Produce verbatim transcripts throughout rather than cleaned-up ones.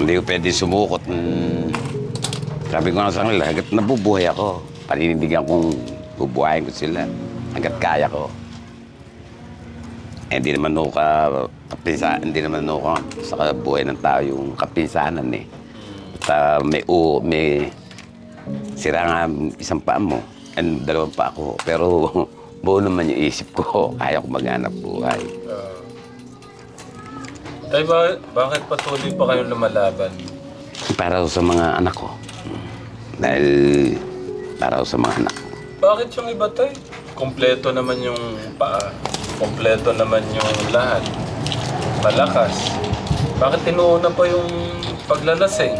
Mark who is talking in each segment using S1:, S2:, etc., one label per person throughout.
S1: Hindi ko pwede sumukot. Hmm. Sabi ko nga sa kanila, hanggat nabubuhay ako, paninindigan kong bubuhayin ko sila hanggat kaya ko. Eh, hindi naman ako ka, kapinsa, hindi naman ako sa buhay ng tao yung kapinsanan eh. At uh, may u, may sira nga isang paa mo, and dalawang pa ako. Pero buo naman yung isip ko, kaya ko maghanap buhay.
S2: Uh, tay, ba, bakit patuloy pa kayong lumalaban?
S1: Para sa mga anak ko. Dahil para sa mga anak ko.
S2: Bakit yung iba, tay? Kompleto naman yung paa. Kompleto naman yung lahat. Malakas. Bakit tinuuna pa yung paglalasing?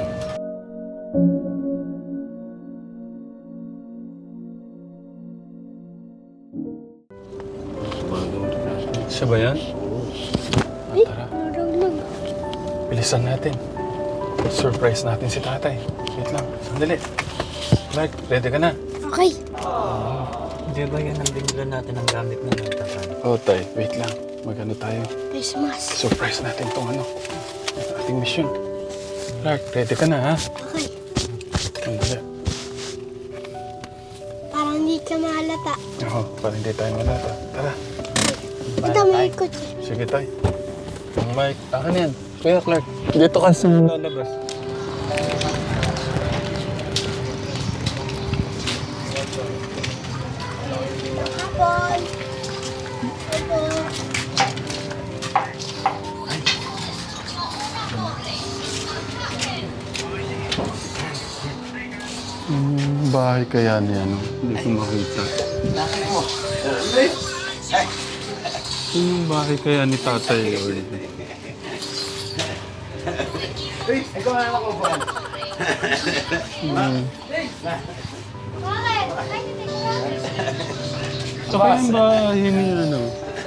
S2: Siya ba yan? Ah, tara. Bilisan natin. Surprise natin si tatay. Wait lang. Sandali. Clark, ready ka na?
S3: Okay.
S4: Di ba yan ang binilan natin ang gamit na nagtakan?
S2: Oh, tay. Wait lang. Magano tayo?
S3: Christmas.
S2: Surprise natin tong ano. Ating mission. Clark, ready ka na, ha?
S3: Okay.
S2: Sandali.
S3: Parang hindi ka mahalata.
S2: Oo, para hindi tayo malata. Tara.
S3: Ito may kotse.
S2: Sige, tay. Ang mic. Akin yan. Kuya Clark, dito ka sa lalabas.
S3: Hapon. Ito.
S2: Hmm, bahay kaya niya, no? Hindi ko makita. Yung bahay kaya ni Tatay Lord? Hmm. Ito ba yung bahay ni ano?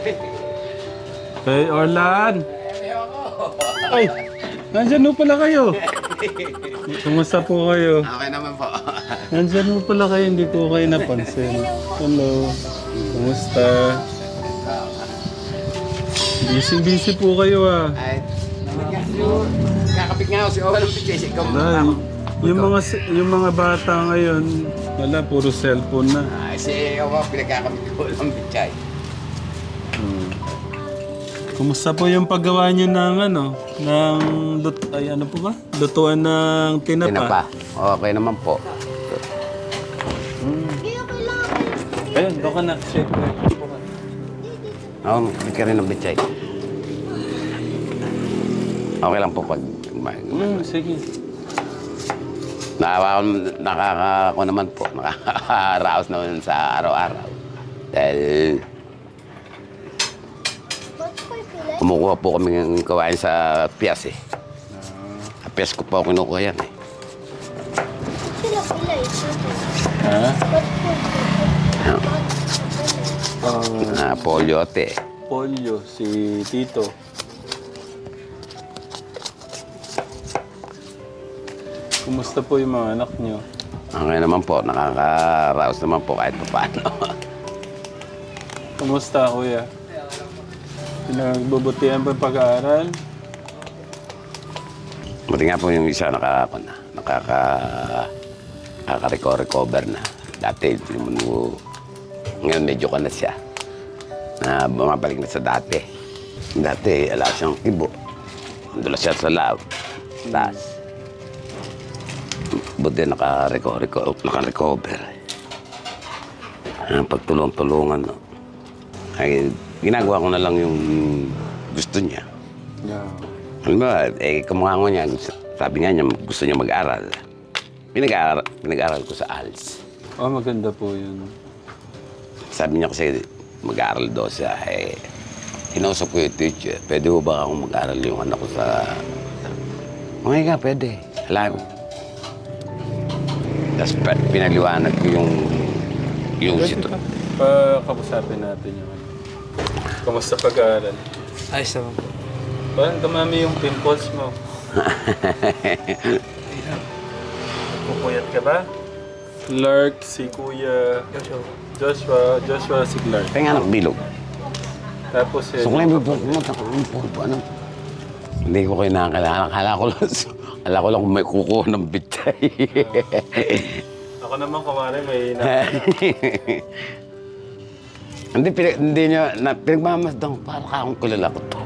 S2: Hey, Orlan! Ay! Nandyan mo pala kayo! Kumusta po kayo?
S1: Okay naman po.
S2: Nandyan mo pala kayo, hindi ko kayo napansin. Hello. Kumusta? Busy-busy po kayo ah.
S1: Ay, kakapit nga ako si Owen ng picture. Ikaw mo
S2: Dahil, yung mga yung mga bata ngayon, wala, puro cellphone na.
S1: Ay, si Owen, pinagkakapit ko ng picture.
S2: Hmm. Kumusta po yung paggawa niyo ng ano, ng lut ay ano po ba? Lutuan ng tinapa.
S1: Tinapa. Okay naman po.
S2: Ayun, doon ka na. Shake na.
S1: Oo, hindi ka rin ng picture. Okay lang po pag...
S2: Hmm, sige.
S1: Nakawa, nakaka... Ako naman po, nakaka-raos naman sa araw-araw. Dahil... Kumukuha po kami ng kawain sa piyas eh. Sa piyas ko po kinukuha yan eh.
S3: Sila pila eh.
S2: Ha?
S1: Na polyote.
S2: Polyo, si Tito. Kumusta po yung mga anak niyo?
S1: Okay naman po, nakaka-raos naman po kahit pa paano.
S2: Kumusta, kuya? Pinagbubutihan ba yung pag-aaral?
S1: Buti nga po yung isa nakaka, nakaka, nakaka-recover na. Dati, naman mo, ngayon medyo ka na siya. Na bumabalik na sa dati. Dati, ala siyang kibo. Dula siya sa lab. Taas. Buti naka-recover. Naka-recover. Ang pagtulong-tulungan, no? Ay, ginagawa ko na lang yung gusto niya.
S2: Yeah.
S1: Alam mo, eh, kamukha ko niya, sabi nga niya, gusto niya mag-aral. Pinag-aaral, pinag-aaral ko sa A L S.
S2: Oh, maganda po yun.
S1: Sabi niya kasi mag-aaral daw siya, eh, hinausap ko yung teacher, pwede mo ba akong mag-aaral yung anak ko sa... Okay ka, pwede. Alam ko. Tapos pinaliwanag ko yung... yung sito.
S2: Pakapusapin natin yun. Kumusta pag-aaral?
S4: Ayos naman po.
S2: Parang dumami yung pimples mo. Pupuyat ka ba? Clark, si Kuya
S4: Joshua.
S2: Joshua, Joshua si Clark.
S1: Kaya nga bilog.
S2: Tapos eh,
S1: So kung may pulpo mo, ano? Hindi ko kinakailangan. Akala ko lang, akala ko lang kung may kukuha ng bitay.
S2: Ako naman, kumari, may na...
S1: Hindi, pinag, hindi niya, na, pinagmamasdang para akong kilala ko to.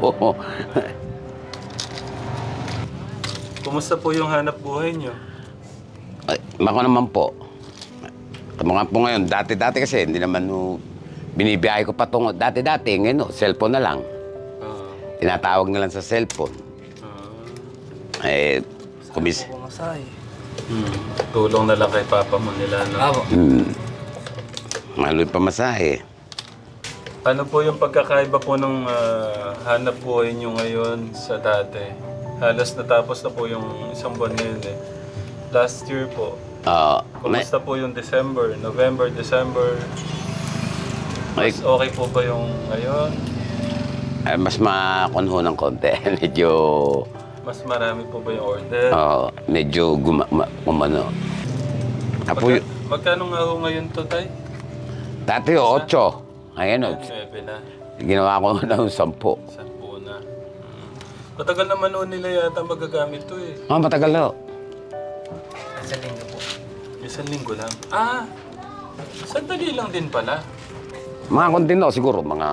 S2: Kumusta po yung hanap buhay niyo?
S1: Ay, ako naman po. Mga po ngayon, dati-dati kasi, hindi naman no, binibiyahe ko pa tungo. Dati-dati, ngayon, no, cellphone na lang.
S2: Ah,
S1: Tinatawag na lang sa cellphone.
S2: ah.
S1: Eh, kumis...
S4: Pumasay.
S2: Hmm. Tulong na lang kay papa mo nila, no?
S4: Abo.
S1: Hmm. Mahal yung pamasahe.
S2: Ano po yung pagkakaiba po ng ah, hanap buhay niyo ngayon sa dati? Halos natapos na po yung isang buwan ngayon eh. Last year po,
S1: Ah, may,
S2: kumusta po yung December, November, December?
S1: may,
S2: Mas okay po ba yung ngayon?
S1: ay, mas makunho ng konti. Medyo,
S2: Mas marami po ba yung order?
S1: ah, medyo guma, ma, kumano. Apo,
S2: Magka, magkano nga ho ngayon to, Tay?
S1: dati o, otso. Ngayon, o,
S2: Nuebe na.
S1: ginawa ko ng sampo.
S2: Sampu na. Hmm. Matagal naman noon nila yata magagamit to eh.
S1: Ah, matagal na.
S4: Sa linggo po.
S2: Isang linggo lang. Ah! Sandali lang din pala.
S1: Mga konti na siguro, mga...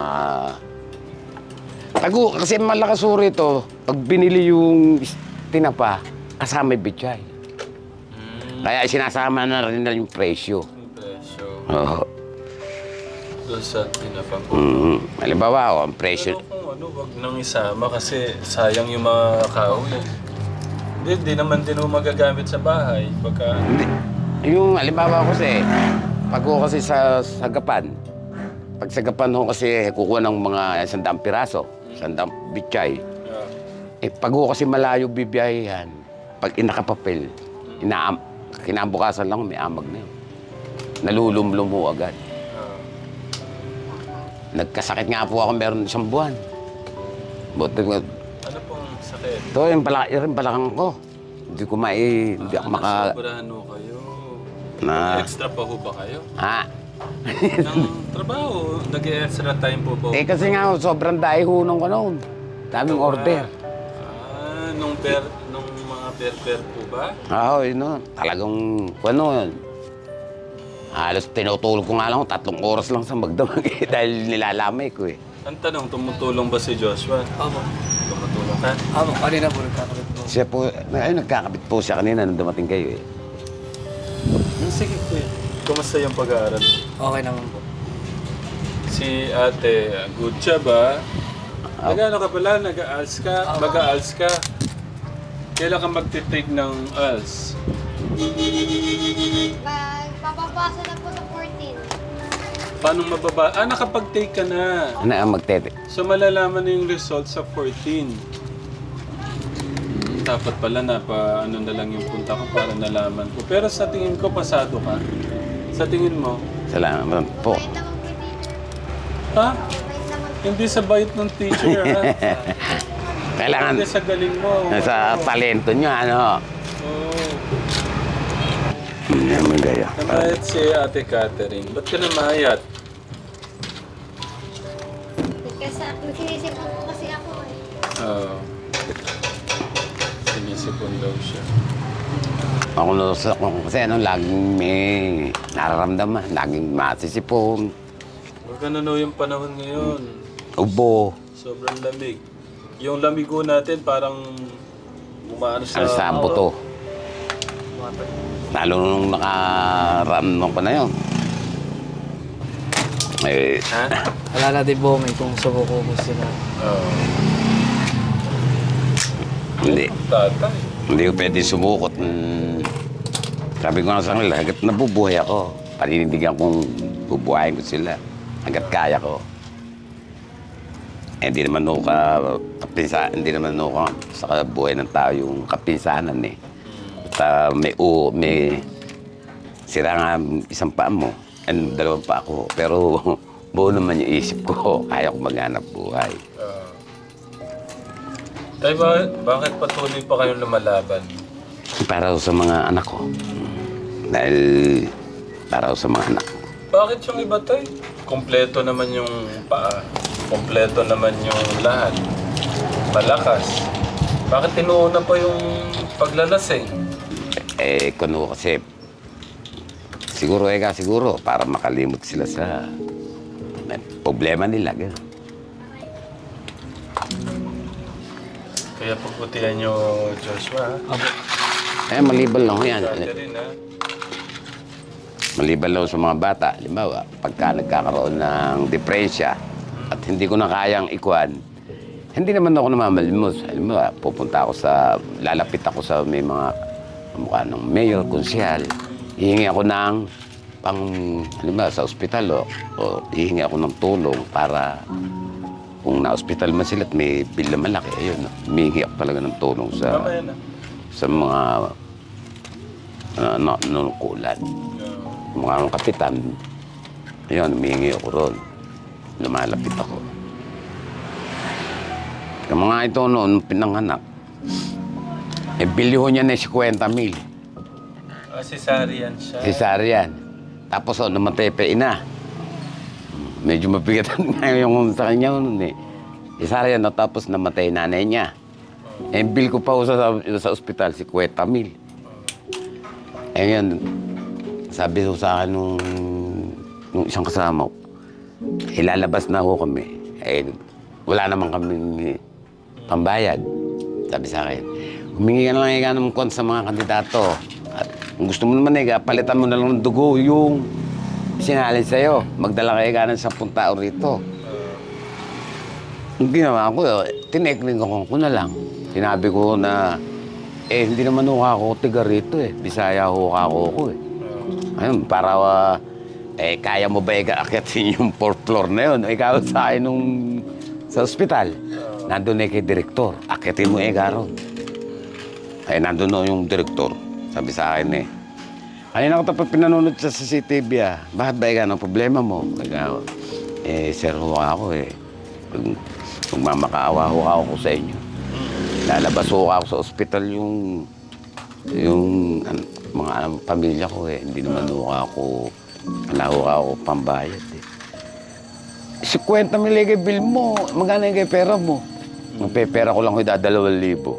S1: Tago, kasi malakas uri ito. Pag binili yung is- tinapa, kasama yung bitchay.
S2: Hmm.
S1: Kaya sinasama na rin na yung presyo.
S2: Yung presyo.
S1: Oo.
S2: Doon sa tinapang ko.
S1: Mm, halimbawa, oh, ang presyo...
S2: Pero kung ano, wag nang isama kasi sayang yung mga kahoy. Hindi, di naman din mo magagamit sa bahay. Pagka...
S1: Hindi. Yung halimbawa ko kasi, pag ko kasi sa sagapan, pag sagapan ko kasi kukuha ng mga sandang piraso, sandang bitchay,
S2: Yeah.
S1: eh pag ko kasi malayo bibiyayan, pag inakapapel, inaam, kinabukasan lang may amag na yun. Nalulumlum mo agad.
S2: Ah.
S1: Nagkasakit nga po ako meron isang buwan. Buti nga,
S2: Ano pong sakit?
S1: ito yung, pala, yung balakang ko. Hindi ko mai, hindi ako maka...
S2: Nasobrahan ho kayo.
S1: Na-
S2: Extra pa ho ba kayo?
S1: Ha?
S2: Ng trabaho, nag-extra time po ba?
S1: Eh kasi nga, sobrang dahi hunong ko noon. Daming order.
S2: Ah, nung per, nung mga per-per po ba?
S1: Oo, yun o. Talagang, ano, halos tinutulog ko nga lang, tatlong oras lang sa magdamag eh, dahil nilalamay ko eh.
S2: Ang tanong, tumutulong ba si Joshua?
S4: Abo.
S2: Tumutulong ka?
S4: Abo. Kanina po nagkakabit po.
S1: Siya po, ay, nagkakabit po siya kanina nung dumating kayo eh.
S2: Hmm, sige po eh. Kumusta yung pag-aaral?
S4: Okay naman po.
S2: Si ate, good job ah. Nag-ano ka pala? Nag-A-A L S ka? Mag-A-A L S ka? Kailan ka magtitake ng A L S?
S3: Pag papapasa na po sa fourteen.
S2: Paano mababa? Ah, nakapag-take ka na.
S1: Ano ang magtete?
S2: So malalaman na yung result sa fourteen. Dapat pala na pa ano na lang yung punta ko para nalaman ko. Pero sa tingin ko pasado ka. Sa tingin mo?
S1: Salamat po.
S3: Wait naman po teacher.
S2: Ha?
S3: Wait naman.
S2: Hindi sa bait ng teacher ha?
S1: Kailangan,
S2: Hindi sa galing mo.
S1: sa talento niyo, ano.
S2: Oo.
S1: Hindi naman gaya.
S2: Namayat si Ate Catherine. Ba't ka namayat?
S3: Kasi nagsinisipon po kasi ako eh.
S2: Oo. Sinisipon daw siya.
S1: Ako na sa kasi ano, laging may nararamdaman, laging masisipon,
S2: Huwag ganun yung panahon ngayon.
S1: ubo,
S2: Sobrang lamig. Yung lamigo natin parang umaano sa...
S1: ano sa buto. Lalo nung nakaramdam ko na yun. Eh,
S2: Ha?
S4: Wala na din po may kung subuko ko sila.
S2: Oo.
S1: hindi.
S2: Tatay.
S1: Hindi ko pwede sumukot. Mm, sabi ko nga sa kanila, hanggat nabubuhay ako, paninindigan kong bubuhayin ko sila. Hanggat kaya ko. Eh, hindi naman ako ka, kapinsa, hindi naman ako ka, sa buhay ng tao yung kapinsanan eh. Basta may u, may sira nga isang paa mo, and dalawang pa ako. Pero buo naman yung isip ko, kaya ko maghanap buhay.
S2: Oo. Tay, ba, bakit patuloy pa kayong lumalaban?
S1: Para sa mga anak ko. Dahil para sa mga anak ko.
S2: Bakit yung iba, Tay? Kompleto naman yung paa. Kompleto naman yung lahat. Malakas. Bakit tinuuna pa yung paglalasing?
S1: Eh, kuno kasi, siguro eh ka, siguro, para makalimot sila sa eh, problema nila. Gano'n.
S2: Kaya pagbutihan nyo, Joshua.
S1: Eh, maliban lang ho yan.
S2: Catherine, ha?
S1: Maliban lang sa mga bata. Halimbawa, pagka nagkakaroon ng depresya at hindi ko na kayang ikuan, hindi naman ako namamalimos. Halimbawa, pupunta ako sa, lalapit ako sa may mga mukha ng mayor, konsyal. Hihingi ako ng pang, halimbawa, sa ospital o, o hihingi ako ng tulong para kung na-hospital man sila at may bill na malaki, ayun, humihingi ako talaga ng tulong sa,
S2: Mamaya na.
S1: sa mga uh, na, nanukulan. Mga kapitan, ayun, humihingi ako ron. Lumalapit ako. Yung mga ito noon, pinanganak, eh, bilyo niya na fifty mil.
S2: Ah, cesarean siya.
S1: Cesarean. Tapos, oh, namatay pa ina. Medyo mabigatan nga yung sa kanya noon eh. Cesarean, no, tapos namatay nanay niya. Eh, bill ko pa sa, sa ospital, fifty mil. Eh, yun, sabi ko sa akin nung, nung isang kasama ko, ilalabas na ako kami. Eh, wala naman kami pambayad. Sabi sa akin, humingi ka na lang ika ng kon sa mga kandidato. At kung gusto mo naman eh, palitan mo na lang ng dugo yung sinalin sa'yo. Magdala ka ika ng sampung tao rito. Ang ginawa ko, tinekling ko na lang. Sinabi ko na, eh, hindi naman ho ako tiga rito eh. Bisaya ho ako ko eh. Ayun, para, uh, eh, kaya mo ba ika-akyatin yung fourth floor na yun? Ikaw sa akin nung sa ospital. Nandun eh kay direktor. Akyatin mo eh, Garon. Ay, nandun no yung direktor. Sabi sa akin eh, kanina ko tapos pinanunod sa C C T V ah. Bakit ba ikaw? Anong problema mo? Kaya, eh, sir ho ako eh. Kung, kung mamakaawa ho ako sa inyo. Lalabas ho ako sa ospital yung, yung an, mga an, pamilya ko eh. Hindi naman ho ako, wala ho ako pambayad eh. fifty mil kay bill mo, magkano yung kay pera mo? Magpepera ko lang ko dalawang libo.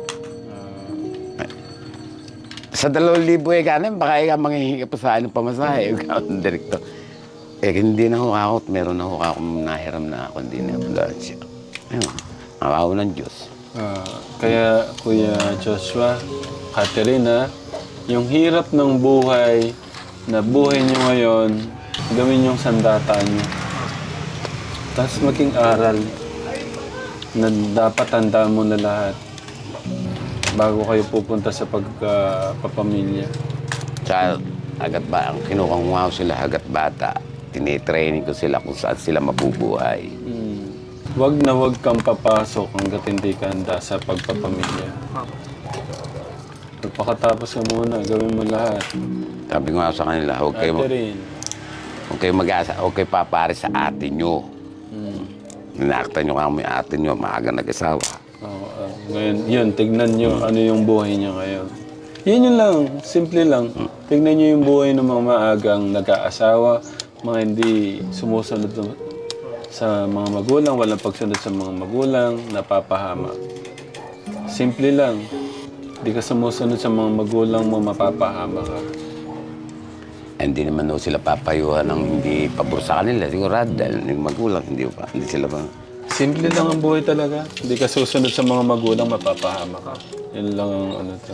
S1: Sa dalawang libo eh, kanin, baka ikaw manghihingi pa sa akin ng pamasahe. Ikaw ang direktor. Eh, hindi na ho ako. Meron na ho ako nahiram na ako. Hindi na ambulansya. Ayun, awaw ng Diyos.
S2: Ah, kaya, Kuya Joshua, Catherine, ha, yung hirap ng buhay na buhay nyo ngayon, gawin yung sandata nyo. Tapos maging aral na dapat tandaan mo na lahat bago kayo pupunta sa pagpapamilya.
S1: Sa hagat ba, ang kinukuha ko sila hagat bata, tinitraining ko sila kung saan sila mabubuhay.
S2: Hmm. Wag na wag kang papasok hanggat hindi ka handa sa pagpapamilya. Pagkatapos ka muna, gawin mo lahat.
S1: Sabi ko nga sa kanila, huwag kayo,
S2: Catherine.
S1: huwag kayo mag-asa, huwag kayo papare sa ate nyo.
S2: Hmm.
S1: Ninaktan nyo kami ate nyo, maaga nag-asawa.
S2: Oo, ah, ngayon, yun, tignan nyo ano yung buhay niya ngayon. Yun yun lang, simple lang. Tignan nyo yung buhay ng mga maagang nag-aasawa, mga hindi sumusunod sa mga magulang, walang pagsunod sa mga magulang, napapahama. Simple lang. Hindi ka sumusunod sa mga magulang mo, mapapahama ka.
S1: Hindi naman daw sila papayuhan ng hindi pabor sa kanila. Sigurado dahil yung magulang, hindi pa, hindi sila pa.
S2: Simple lang ang buhay talaga. Hindi ka susunod sa mga magulang, mapapahama ka. Yun lang ang ano to.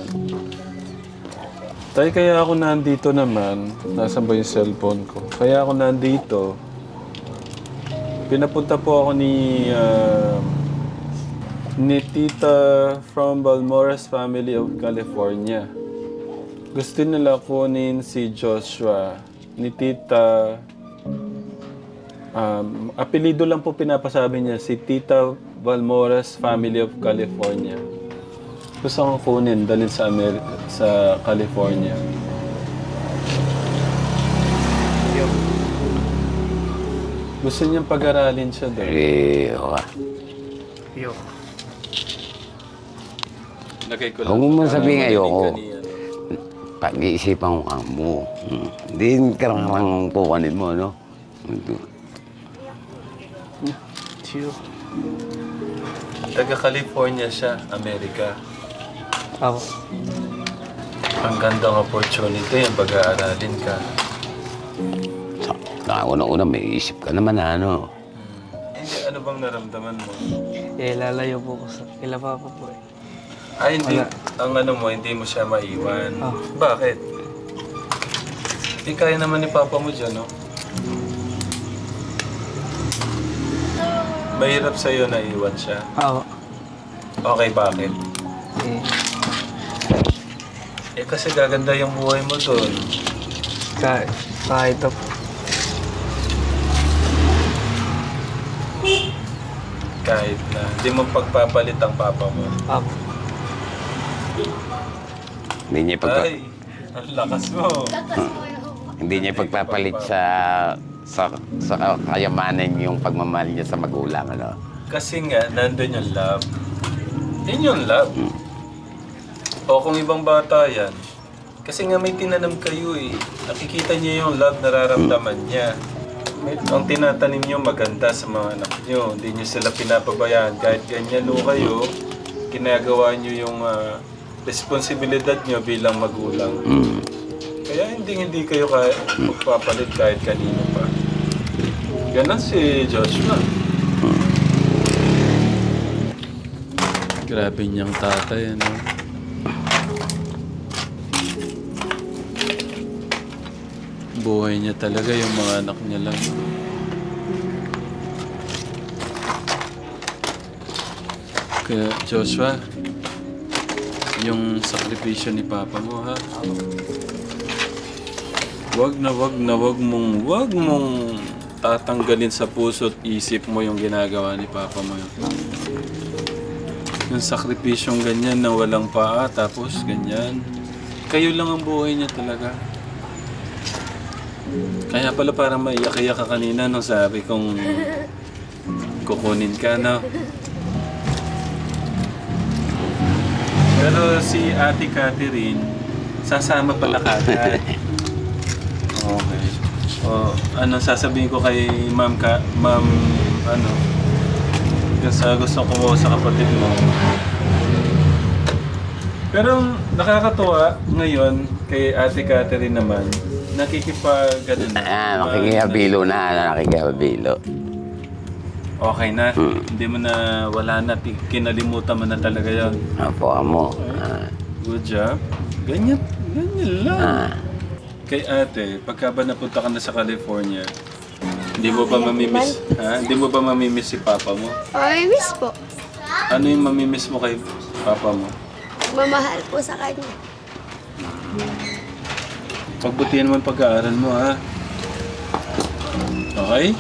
S2: Tay, kaya ako nandito naman, nasa ba yung cellphone ko? Kaya ako nandito, pinapunta po ako ni, uh, ni Tita from Balmores family of California. Gusto nila kunin si Joshua ni Tita. Um, apelido lang po pinapasabi niya, si Tita Balmores family of California. Gusto kong kunin, dalhin sa, Amer- sa California. Gusto niyang pag-aralin siya doon.
S1: Eh, okay.
S4: Yo.
S2: Lagay ko
S1: Huwag mo man sabihin
S2: Para
S1: ayoko.
S2: marinig ka niya.
S1: Pag-iisipan ko ka mo. Hmm. Hindi karang pukanin mo, no?
S4: Chill.
S2: Taga-California siya, Amerika.
S4: Ako.
S2: Ang gandang opportunity yung pag-aaralin ka.
S1: So, na una-una may isip ka naman na ano.
S2: Hindi, ano bang naramdaman mo?
S4: Eh, lalayo po ko sa kila Papa po eh.
S2: Ay, hindi.
S4: Wala.
S2: Ang ano mo, hindi mo siya maiwan.
S4: Ah.
S2: Bakit? Di kaya naman ni Papa mo dyan, no? Mahirap sa'yo na iwan siya.
S4: Ako.
S2: Okay, bakit?
S4: Eh,
S2: Eh kasi gaganda yung buhay mo doon.
S4: kahit, kahit po.
S2: Kahit na hindi mo pagpapalit ang Papa mo.
S4: Ako.
S1: Hindi niya pagpa-
S2: Ay, ang lakas mo.
S3: Lakas mo yung
S1: hindi niya pagpapalit sa sa sa kayamanan yung pagmamahal niya sa magulang, ano.
S2: Kasi nga, nandun yung love. Yun yung love. O kung ibang bata yan, kasi nga may tinanam kayo eh. Nakikita niya yung love nararamdaman niya. May, ang tinatanim niyo maganda sa mga anak niyo. Hindi niyo sila pinapabayaan. Kahit ganyan o kayo, ginagawa niyo yung ah, responsibilidad niyo bilang magulang.
S1: Mm.
S2: Kaya hindi hindi kayo kaya magpapalit kahit kanino pa. Ganon si Joshua. Grabe niyang tatay, ano? Buhay niya talaga, yung mga anak niya lang. Kaya Joshua, yung sakripisyo ni Papa mo, ha? Wag na wag na wag mong wag mong tatanggalin sa puso at isip mo yung ginagawa ni Papa mo yun. Yung sakripisyong ganyan na walang paa tapos ganyan. Kayo lang ang buhay niya talaga. Kaya pala parang maiyak-iyak ka kanina nung sabi kong kukunin ka, no? Pero si Ate Catherine, sasama pala kagad. Okay. O, ano sasabihin ko kay Ma'am ka, Ma'am, ano, kasi gusto kumuha sa kapatid mo. Pero nakakatuwa ngayon kay Ate Catherine naman, nakikipag, ano na.
S1: Ah, nakikihabilo na, ano, nakikihabilo.
S2: Okay na.
S1: Hmm.
S2: Hindi mo na, wala na, ti- kinalimutan mo na talaga yon.
S1: Apo, amo. Ah,
S2: Good job. Ganyan, ganyan lang.
S1: ah.
S2: Kay ate, pagka ba napunta ka na sa California, hindi mo ba mamimiss, ha? Hindi mo ba mamimiss si Papa mo?
S3: Ay, miss po.
S2: Ano yung mamimiss mo kay Papa mo?
S3: Mamahal po sa kanya.
S2: Pagbutihan mo ang pag-aaral mo, ha? Okay?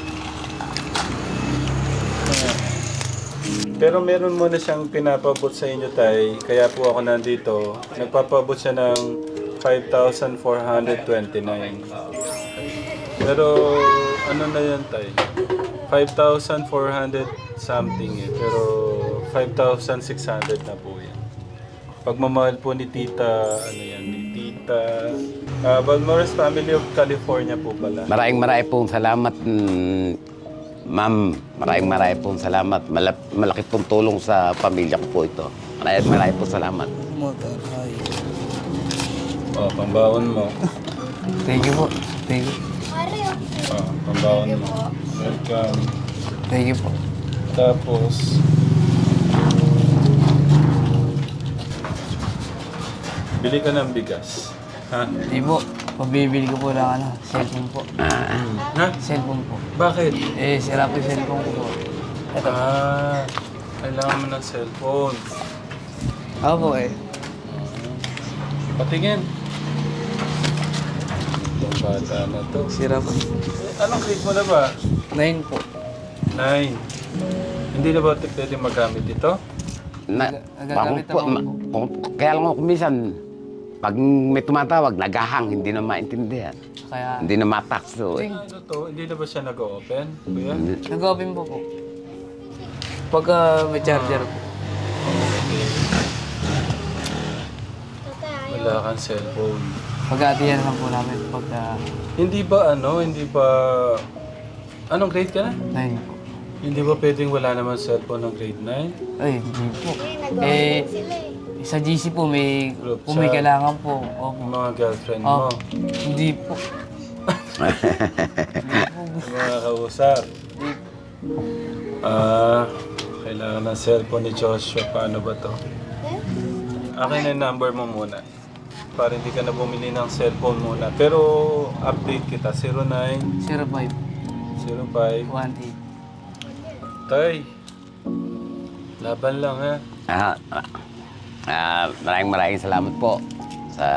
S2: Pero meron mo na siyang pinapabot sa inyo, tay. Kaya po ako nandito. Nagpapabot siya ng five thousand four hundred twenty-nine. Pero ano na yan, tay? five thousand four hundred something eh. Pero five thousand six hundred na po yan. Pagmamahal po ni Tita, ano yan, ni Tita... Uh, Balmores Family of California po pala.
S1: Maraming maraming pong salamat, mm, ma'am. Maraming maraming pong salamat. Malap, malaki pong tulong sa pamilya ko po ito. Maraming maraming pong salamat.
S4: Motor, ay.
S2: Oh, pambaon mo.
S4: Thank you po. Thank you.
S3: Mario.
S2: Oh, pambaon mo. Welcome.
S4: Thank you po.
S2: Tapos... Bili ka ng bigas. Ha?
S4: Hindi po. Pabibili ko po lang ano, cellphone po.
S2: Ha?
S4: Cellphone po.
S2: Bakit?
S4: Eh, sira po yung cellphone ko po. Ito.
S2: Ah, kailangan mo ng cellphone.
S4: Ako po eh.
S2: Patingin. Itong bata na to.
S4: Sira po.
S2: Anong grade mo na ba?
S4: Nine po.
S2: Nine. Hindi na ba ito pwede magamit ito?
S1: Na,
S4: Nagagamit
S1: po,
S4: ako
S1: ma, kung, kaya lang ako minsan, pag may tumatawag, nagahang, hindi na maintindihan.
S4: Kaya,
S1: Hindi na matakso eh.
S2: Ano to? Hindi na ba siya nag-open? Kuya?
S4: nag-open po po. Pagka may charger po.
S3: Tatay,
S2: Wala kang cellphone.
S4: Pag-aatiyan lang po namin pagka
S2: Hindi ba ano, hindi ba... Anong grade ka na?
S4: nine po.
S2: Hindi ba pwedeng wala naman cellphone ng grade nine?
S4: Ay, hindi po.
S3: eh, nag-open
S4: Eh,
S3: sila eh.
S5: Sa G C po, may,
S2: Group
S5: kung may
S2: chat.
S5: kailangan po. Opo.
S2: Yung mga girlfriend
S5: Oh,
S2: mo.
S5: hindi po.
S2: Yung mga kausap. Ah, kailangan ng cellphone ni Joshua. Paano ba to? Akin na yung number mo muna. Para hindi ka na bumili ng cellphone muna. Pero update kita. zero nine
S5: zero five
S2: zero five.
S5: one eight.
S2: Tay, laban lang ha.
S1: Ah, ah, ah, maraming maraming salamat po sa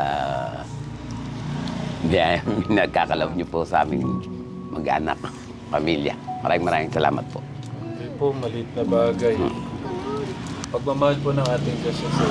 S1: biyayang nagkakalaw niyo po sa aming mag-anak, pamilya. Maraming maraming salamat po.
S2: Hindi po, maliit na bagay. Pagmamahal po ng ating Diyos sa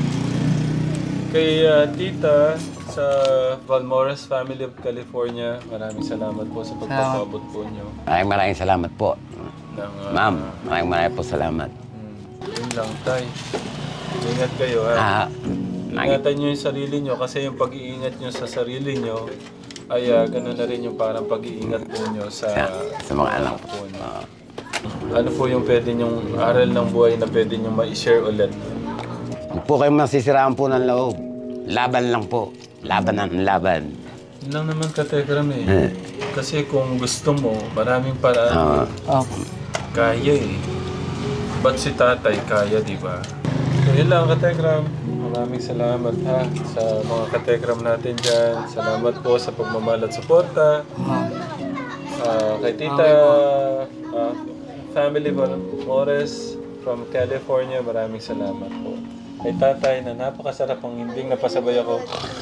S2: Kay ah, tita sa Valmores Family of California, maraming salamat po sa pagpapaabot po niyo.
S1: Maraming maraming salamat po.
S2: Ng, ah,
S1: Ma'am, maraming maraming po salamat.
S2: hmm, yun lang, tay. Ingat kayo ha.
S1: Ah,
S2: Ingatan niyo yung sarili niyo kasi yung pag-iingat niyo sa sarili niyo ay uh, gano'n na rin yung parang pag-iingat po niyo sa,
S1: sa, sa mga anak po.
S2: po niyo. Ano po yung pwede niyong aral ng buhay na pwede niyong ma-share ulit?
S1: Huwag po kayong masisiraan po ng loob. Laban lang po. Laban ng laban.
S2: Yun lang naman kategram eh. Kasi kung gusto mo, maraming paraan.
S1: Ah,
S5: Opo.
S2: Kaya eh. Ba't si tatay kaya, di ba? So yun lang kategram. Maraming salamat ha sa mga kategram natin dyan. Salamat po sa pagmamahal at suporta.
S5: Ma'am.
S2: Ah, kay Tita ah, Family Valmores from California, maraming salamat po. Kay tatay na napakasarap ang hinding napasabay ako.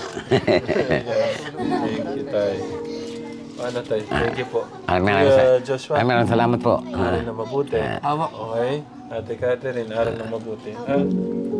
S2: Thank you, tay. Ano, tay? Thank you po.
S1: Maraming maraming
S2: Kuya
S1: sa-
S2: Joshua,
S1: maraming maraming salamat po.
S2: aral na mabuti.
S5: Awa.
S2: Okay? Ate Catherine, aral na mabuti. Ha?